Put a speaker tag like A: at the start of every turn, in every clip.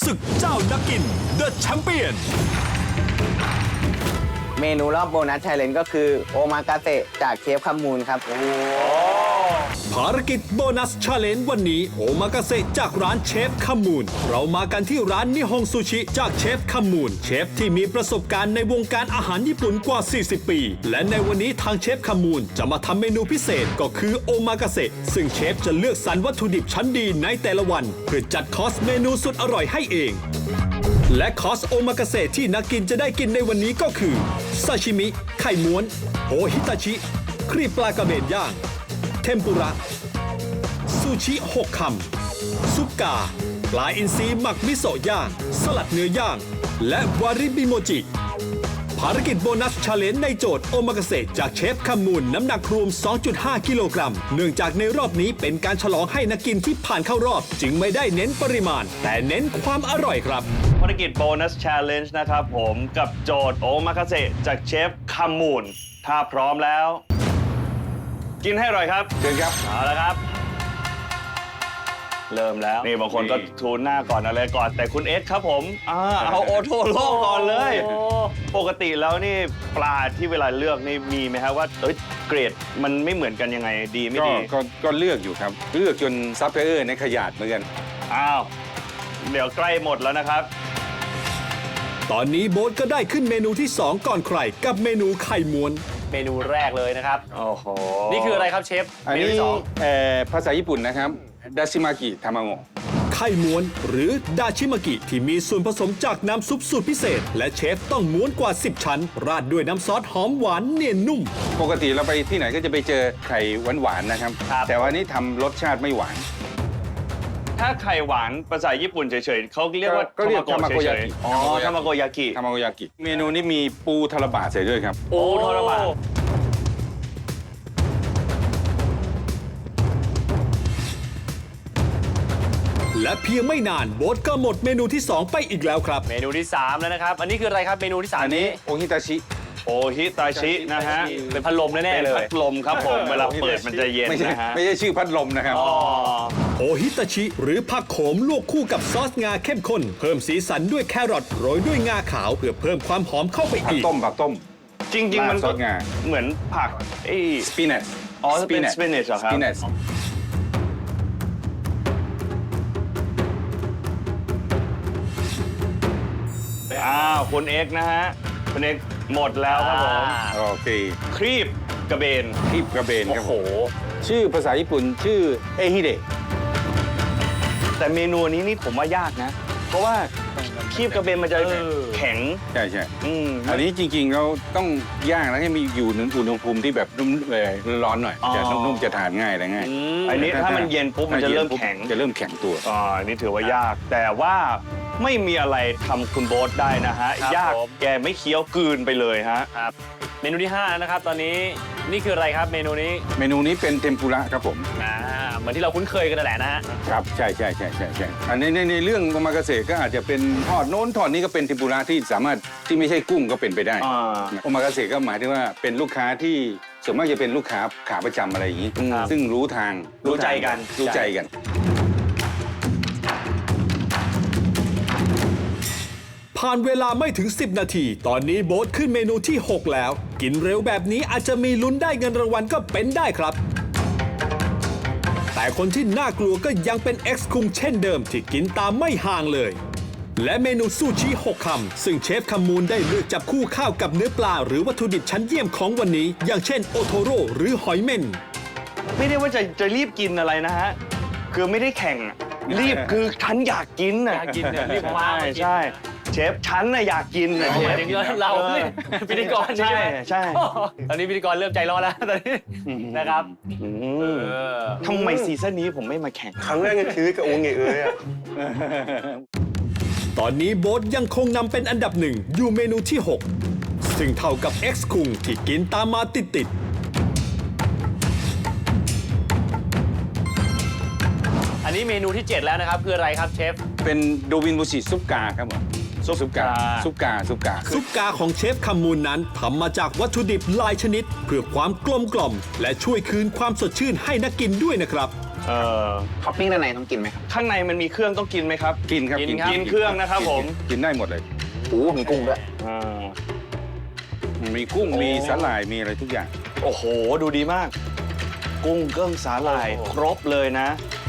A: ศึกเจ้านักกิน The Champion
B: เมนูรอบโบนัสไชเลนจ์ก็คือโอมากาเสะจากเชฟคำมูลครับ
A: ภารกิจโบนัสชาเลนจ์วันนี้โอมากาเสะจากร้านเชฟคำมูลเรามากันที่ร้านนิฮงซูชิจากเชฟคำมูลเชฟที่มีประสบการณ์ในวงการอาหารญี่ปุ่นกว่า 40 ปี และในวันนี้ทางเชฟคำมูลจะมาทำเมนูพิเศษก็คือโอมากาเสะซึ่งเชฟจะเลือกสรรวัตถุดิบชั้นดีในแต่ละวันเพื่อจัดคอร์สเมนูสุดอร่อยให้เองและคอร์สโอมากาเสะที่นักกินจะได้กินในวันนี้ก็คือซาชิมิไข่ม้วนโอฮิตาชิครีบปลากระเบนย่างเทมปุระซูชิ6 คำซุปกาปลาอินทรีหมักมิโซะย่างสลัดเนื้อย่างและวาริบิโมจิภารกิจโบนัสชาเลนจ์ในโจทย์โอมากาเสะจากเชฟคำมูลน้ำหนักรวม 2.5 กิโลกรัมเนื่องจากในรอบนี้เป็นการฉลองให้นักกินที่ผ่านเข้ารอบจึงไม่ได้เน้นปริมาณแต่เน้นความอร่อยครับ
C: ภารกิจโบนัส Challenge นะครับผมกับโจทย์โอมากาเสะจากเชฟคำมูลถ้าพร้อมแล้ว กินให้อร่อยครับเชิญครับเอาละครับ เริ่มแล้วนี่บางคนก็ทูนหน้าก่อนอะไรก่อนแต่คุณเอสครับผมเอาโอโทโร่ก่อนเลยปกติแล้วนี่ปลาที่เวลาเลือกนี่มีไหมครับว่าเกรดมันไม่เหมือนกันยังไงดีไม่ดี
D: ก็เลือกอยู่ครับเลือกจนซัพพลายเออร์ในขยาดเหมือนกัน
C: อ้าวเดี๋ยวใกล้หมดแล้วนะครับ
A: ตอนนี้โบ๊ทก็ได้ขึ้นเมนูที่ 2 ก่อนใครกับเมนูไข่ม้วน
E: เมนูแรกเลยนะครับ
C: โอ้โห
E: นี่คืออะไรครับเชฟ
D: อันนี้ภาษาญี่ปุ่นนะครับดาชิมากิทามาโงะ
A: ไข่ม้วนหรือดาชิมากิที่มีส่วนผสมจากน้ำซุปสูตรพิเศษและเชฟต้องม้วนกว่า 10 ชั้นราดด้วยน้ำซอสหอมหวานเนียนนุ่ม
D: ปกติเราไปที่ไหนก็จะไปเจอไข่หวานๆนะครับแต่ว่านี้ทำรสชาติไม่หวาน
C: ถ้าไข่หวานภาษาญี่ปุ่นเฉยๆเขาเรียกว่า
D: ทามาโกยากิ
C: อ๋อทามาโกยากิ
D: เมนูนี้มีปูทาราบะใส่ด้วยครับ
C: โอ้ทาราบะ
A: และเพียงไม่นานโบ๊ทก็หมดเมนูที่ 2 ไปอีกแล้วครับ
E: เมนูที่3แล้วนะครับอันนี้คืออะไรครับเมนูที่3
D: อันนี้โอฮิตา
C: ชินะฮะ
E: เป็นพัดลมแน่ๆเลย
C: พัดลมครับผมเวลาเปิดมันจะเย็นนะฮะ
D: ไม่ใช่ชื่อพัดลมนะครับ
A: โอฮิตาชิหรือผักโขมลวกคู่กับซอสงาเข้มข้นเพิ่มสีสันด้วยแครอทโรยด้วยงาขาวเพื่อเพิ่มความหอมเข้าไปอีก
D: ผักต้ม
C: จริงๆมันก็เหมือนผัก
D: สปินัช
C: อ๋อเป็นสปินัชเหรอครับคุณเอ็กนะฮะคุณเอ็กหมดแล้วครับผม
D: โอเค
C: ครีบกระเบน
D: ครับโอ้โหชื่อภาษาญี่ปุ่นชื่อเอฮิเดะ
C: แต่เมนูนี้นี่ผมว่ายากนะเพราะว่าครีบกระเบนมันจะแข็ง
D: ใช่อันนี้จริงๆเราต้องย่างแล้วให้มีอยู่ในอุณหภูมิที่แบบนุ่มร้อนหน่อยจะนุ่มจะทานง่ายอะไรง่าย
C: อันนี้ถ้ามันเย็นปุ๊บมันจะเริ่มแข็งตัวอันนี้ถือว่ายากแต่ว่าไม่มีอะไรทำคุณโบ๊ทได้นะฮะยากแกไม่เคี้ยวกลืนไปเลยฮะ
E: ครับเมนูที่5นะครับตอนนี้นี่คืออะไรครับเมนูนี้
D: เป็นเทมปุระครับผม
E: เหมือนที่เราคุ้นเคยกันนั่นแหละนะฮะ
D: ครับใช่อันนี้ในเรื่องโอมากาเสะก็อาจจะเป็นทอดโน้นทอดนี้ก็เป็นเทมปุระที่สามารถที่ไม่ใช่กุ้งก็เป็นไปได้โอมากาเสะก็หมายถึงว่าเป็นลูกค้าที่ส่วนมากจะเป็นลูกค้าขาประจำอะไรอย่างนี้ซึ่งรู้ใจกัน
A: ผ่านเวลาไม่ถึง 10 นาทีตอนนี้โบ๊ทขึ้นเมนูที่ 6 แล้วกินเร็วแบบนี้อาจจะมีลุ้นได้เงินรางวัลก็เป็นได้ครับแต่คนที่น่ากลัวก็ยังเป็น X คุงเช่นเดิมที่กินตามไม่ห่างเลยและเมนูซูชิ6 คำซึ่งเชฟคำมูลได้เลือกจับคู่ข้าวกับเนื้อปลาหรือวัตถุดิบชั้นเยี่ยมของวันนี้อย่างเช่นโอโทโร่หรือหอยเม่น
C: ไม่ได้ว่าจะรีบกินอะไรนะฮะคือไม่ได้แข่งรีบคือฉันอยากกิน
E: รีบมา
C: ใช่เชฟฉันน่ะอยากกินนะเชฟ
E: เราพิธีกร
C: ใช่
E: ตอนนี้พิธีกรเริ่มใจร้อนแล้วตอนนี้นะครับ
C: ทำไมซีซั่นนี้ผมไม่มาแข่ง
D: ครั้งแรกในชีวิตกับโอเงเอ้ย
A: ตอนนี้โบ๊ทยังคงนำเป็นอันดับ1อยู่เมนูที่ 6ซึ่งเท่ากับ X คุงที่กินตามมาติด
E: อันนี้เมนูที่ 7 แล้วนะครับคืออะไรครับเชฟ
D: เป็นโดวินบุชิซุปกาครับผมซุปกา
A: ของเชฟคำมูลนั้นทำมาจากวัตถุดิบหลายชนิดเพื่อความกลมกล่อมและช่วยคืนความสดชื่นให้นักกินด้วยนะครับ
B: ท็อปปิ้งด้านในต้องกินไหมครับ
C: ข้างในมันมีเครื่องต้องกินไหมครับ
D: กินครับ
C: กินเครื่องนะครับผม
D: กินได้หมดเลย
B: โอ้มีกุ้งด้วย
C: อ่า
D: มีกุ้งมีสาหร่ายมีอะไรทุกอย่าง
C: โอ้โห ดูดีมาก กุ้งเกิ้งสาหร่ายครบเลยนะ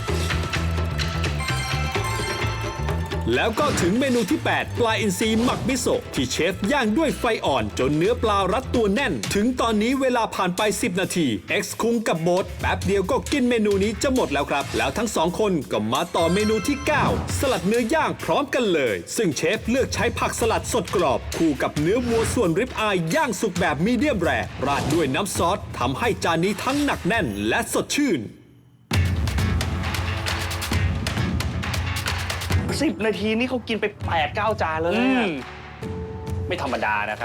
A: แล้วก็ถึงเมนูที่ 8 ปลาอินทรีหมักมิโซะที่เชฟย่างด้วยไฟอ่อนจนเนื้อปลารัดตัวแน่น ถึงตอนนี้เวลาผ่านไป 10 นาที X คุงกับโบ๊ทแป๊บเดียวก็กินเมนูนี้จะหมดแล้วครับ แล้วทั้ง 2 คนก็มาต่อเมนูที่ 9 สลัดเนื้อย่างพร้อมกันเลย ซึ่งเชฟเลือกใช้ผักสลัดสดกรอบ คู่กับเนื้อวัวส่วนริบอายย่างสุกแบบมีเดียมแรร์ราดด้วยน้ำซอสทำให้จานนี้ทั้งหนักแน่นและสดชื่น
C: 10 นาทีนี่เขากินไป 8-9 จานแล้ว
E: อื
C: นะ
E: มไม่ธรรมดานะครับ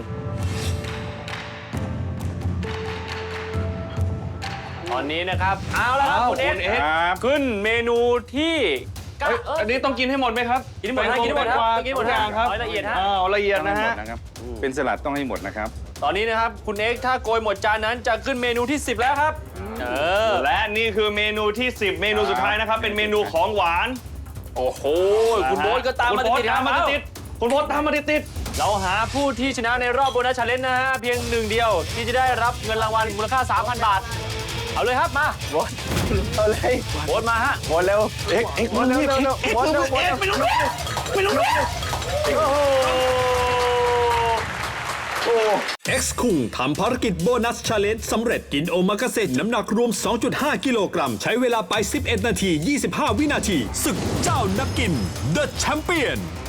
E: ตอนนี้นะครับเอาละครับคุณเอส
D: ครับ
E: ขึ้นเมนูที่เก้า
C: อันนี้ต้องกินให้หมดไหมครับ
E: กินให้หมดนะกินให้หมดครับกินให้หมด
C: ทุกอย่างครับ
E: เอาให้ละเอียดฮะ
C: เอาละเอียด
D: ต้อง
C: นะ
D: ให้หม
C: ฮะ
D: ดนะครับ เป็นสลัดต้องให้หมดนะครับ
E: ตอนนี้นะครับคุณเอ็กซ์ถ้าโกยหมดจานนั้นจะขึ้นเมนูที่ 10 แล้วครับอ
C: และนี่คือเมนูที่ 10 เมนูสุดท้ายนะครับ เป็นเมนูของหวาน
E: โอ้โหคุณโบ๊ทก็ตามมา
C: คุณโบ๊ท
E: ติดๆ
C: ตามมา
E: ครับ
C: ติดๆคุณโบ๊ทตามมาติด
E: เราหาผู้ที่ชนะในรอบโบนัสชาเลนจ์นะฮะเพียงหนึ่งเดียวที่จะได้รับเงินรางวัลมูลค่า 3,000 บาท เอาเลยครับมา
B: บดเอาเลย
E: โบ๊ทมาฮะ
B: บดเร็ว
C: ๆเอ็ก
B: บดเร็วเร็วเร็วบดเร็วบดเร็ว
C: ไม่รู้ไม่รู้
A: X คุงทำภารกิจโบนัสชาเลนจ์สำเร็จกินโอมากาเสะน้ำหนักรวม 2.5 กิโลกรัม ใช้เวลาไป 11 นาที 25 วินาที ศึกเจ้านักกิน The Champion